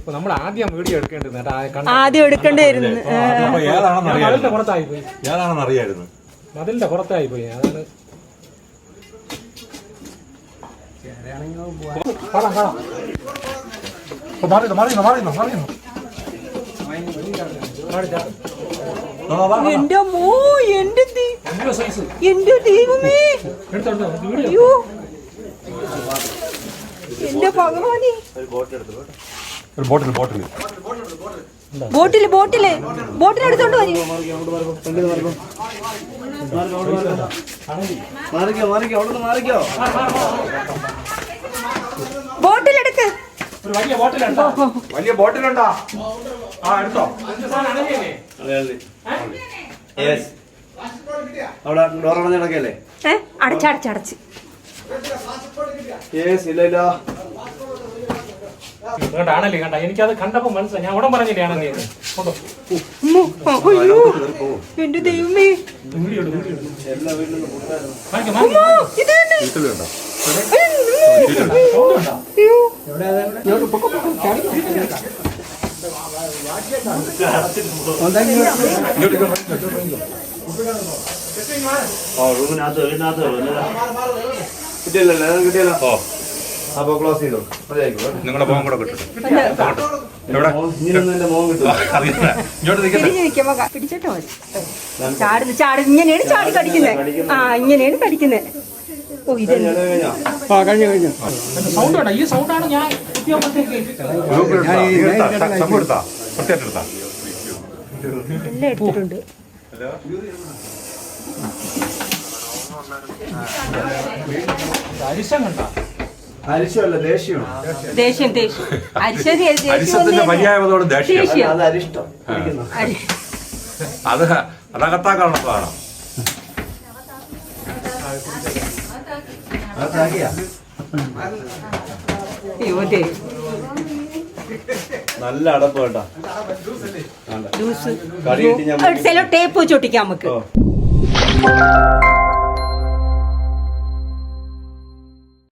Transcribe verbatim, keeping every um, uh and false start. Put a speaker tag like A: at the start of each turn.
A: നമ്മൾ ആദ്യം വീഡിയോ എടുക്കേണ്ടത്
B: ആദ്യം എടുക്കേണ്ടിയിരുന്നു.
A: മതിലിന്റെ പുറത്തായി പോയി.
C: ഏതാണെന്ന് അറിയായിരുന്നു.
A: മതിലിന്റെ പുറത്തായി പോയി. അതാണ്
B: എന്റെ മോ എന്റെ എന്റെ ദൈവമേ, അയ്യോ എന്റെ ഭഗവാനെ.
C: ബോട്ടിൽ ബോട്ടിൽ
B: ബോട്ടില് ബോട്ടില് ബോട്ടിൽ എടുത്തോണ്ട് വരും. ബോട്ടിലെടുക്ക്.
C: വലിയ ബോട്ടിലുണ്ടോ? ആ എടുത്തോ.
D: അവിടെ ഡോറടഞ്ഞ് കിടക്കല്ലേ?
B: ഏ അടച്ചടച്ചടച്ച്
A: ആണല്ലേ കണ്ട. എനിക്കത് കണ്ടപ്പോ മനസ്സിലായി. ഞാൻ ഉടൻ പറഞ്ഞില്ലേ ആണെന്ന്.
B: എന്റെ ദൈവമേ,
D: കിട്ടിയല്ലോ. അപ്പൊ ക്ലോസ് ചെയ്തോ.
C: നിങ്ങളുടെ മോൻ കൂടെ കിട്ടും.
D: ഇങ്ങനെയൊന്നും എന്റെ മോൻ കിട്ടും.
B: പിടിച്ചിട്ടോ മതി. ചാടുന്നു ചാട് ഇങ്ങനെയാണ് ചാടി കടിക്കുന്നത്. ആ ഇങ്ങനെയാണ് കടിക്കുന്നത്. ഓ ഇത് കഴിഞ്ഞു കഴിഞ്ഞു.
A: സൗണ്ട് വേണ്ട. ഈ സൗണ്ടാണ് ഞാൻ
B: എല്ലാം എടുത്തിട്ടുണ്ട്.
A: അരിശം കണ്ട.
D: അരിശമല്ല, ദേഷ്യമാണ്.
B: ദേഷ്യം ദേഷ്യം അരിശരി
C: അരിശത്തിന്റെ പര്യായതോട് ദേഷ്യം.
D: അത് അരിഷ്ടം.
C: അത് അതകത്താക്കാനുള്ളതാണ്.
D: നല്ല അടപ്പ് കേട്ടാ.
B: ടേപ്പ് വെച്ചൊട്ടിക്കാം നമുക്ക്.